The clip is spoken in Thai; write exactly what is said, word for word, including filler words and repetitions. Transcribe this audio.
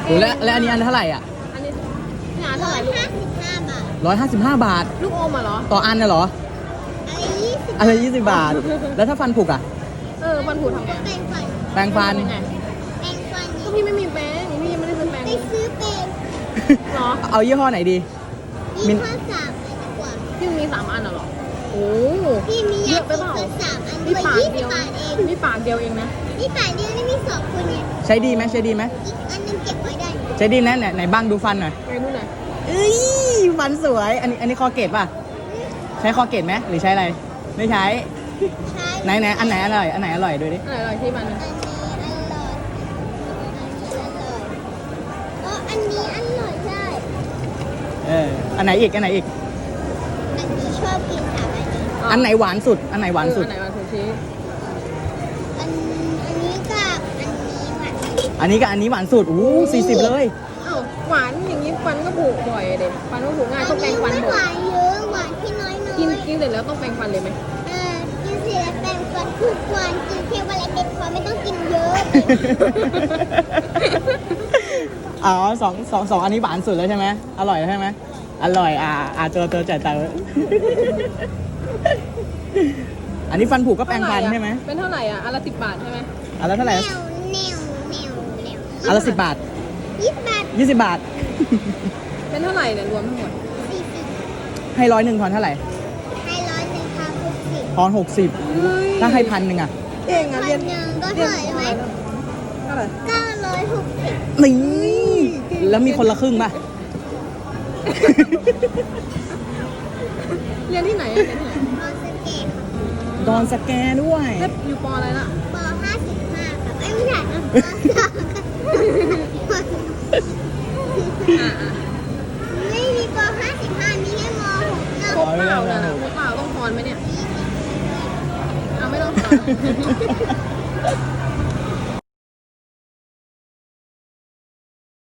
โอ้แล้วแล้วอันนี้อันเท่าไหร่อ่ะอันนี้งานเท่าไหร่ลูกร้อยห้าสิบห้าบาทลูกอมอ่ะเหรอต่ออันน่ะเหรออะไรยี่สิบอะไรยี่สิบบาท แล้วถ้าฟันผุอ่ะเออฟันผุทำไงแปรงฟันแปรงฟันเป็นไงแปรงฟันก็พี่ไม่มีแปรงพี่ยังไม่ได้ซื้อแปรงไปซื้อเป็นเหรอเอายี่ห้อไหนดี มิยี่นห้อสามเลยดีกว่าพี่มีสามอันเหรอโอ้พี่มีเยยาอะไปสีเปล่าฟันสามอันนี่ด้วยปากยี่เดีสิยวบบาทเองนี่ปากเดียวเองนะนี่ปากเดียวนี่มีสองคนเนี่ยใช้ดีไหมใช้ดีไหมอีกอันหนึงเก็บไว้ได้ใช้ดีนะไหนไหนบ้างดูฟันหน่อยไปนู่นหน่อยเอ้ยฟันสวย อันนี้อันนี้คอเกตป่ะ ใช้คอเกตไหมหรือใช้อะไร ไม่ใช้ใช่ไหนไหนอันไหนอร่อย อันไหนอร่อยดูดิอะไรอะไรที่มันอันนี้อร่อยอันนี้อร่อยอ๋ออันนี้อร่อยใช่เออ อันไหนอีก อันไหนอีกอันนี้ชอบกินสามอันนี้อันไหนหวานสุด อันไหนหวานสุดอันไหนหวานสุดชี้อันอันนี้กับอันนี้หวานอันนี้กับอันนี้หวานสุด อู้สี่สิบเลยอ้าวหวานอย่างนี้ฟันก็ผุบ่อยเด็ฟันก็ผุง่ายอัต้องแปรงฟันไม่บ่หอยวานเยอะหวานที่น้อยน้อยกินกินเสร็จแล้วต้องแปรงฟันเลยไหมเออกินเสร็จแล้วแปรงฟันทุกวันกินแค่วันละเม็ดพอไม่ต้องกินเยอะอ๋อสองสองสองอันนี้หวานสุดแล้วใช่ไหมอร่อยแล้วใช่ไหมอร่อย อ่าอ่าเจอเจอจ่ายตังค์อันนี้ฟันผุก็แปรงฟันใช่ไหมเป็นเท่าไหร่อ่ะอันละสิบบาทใช่ไหมอันละเท่าไหร่แนวแนวแนวแนวอันละสิบบาทยี่สิบบาทยี่สิบบาทเป็นเท่าไหร่เนี่ยรวมทั้งหมดสี่สิบให้ร้อยหนึ่งทอนเท่าไหร่ให้ร้อยหนึ่งค่ะหกสิบทอนหกสิบถ้าให้พันหนึ่งอ่ะเก่งพัอ่ะนเรียนหนึ่งก็เรียเท่าน ไหร่ไหมเท่าไหร่เก้าร้อยหกสิบนี่แล้วมีคนละครึ่งป่ะเรียนที่ไหนอะเรียนที่ไหนนอนสเกตค่ะดอนสแกด้วยแล้วอยู่ปออะไรล่ะปห้าสิบห้าครับเอ้ยไม่ใช่นะปสองอ่าอ่าไม่มีปห้าสิบห้ามีแค่มหกนะครบเปล่าน่ะนะครบเปล่าต้องพรไหมเนี่ยเอาไม่ต้องพร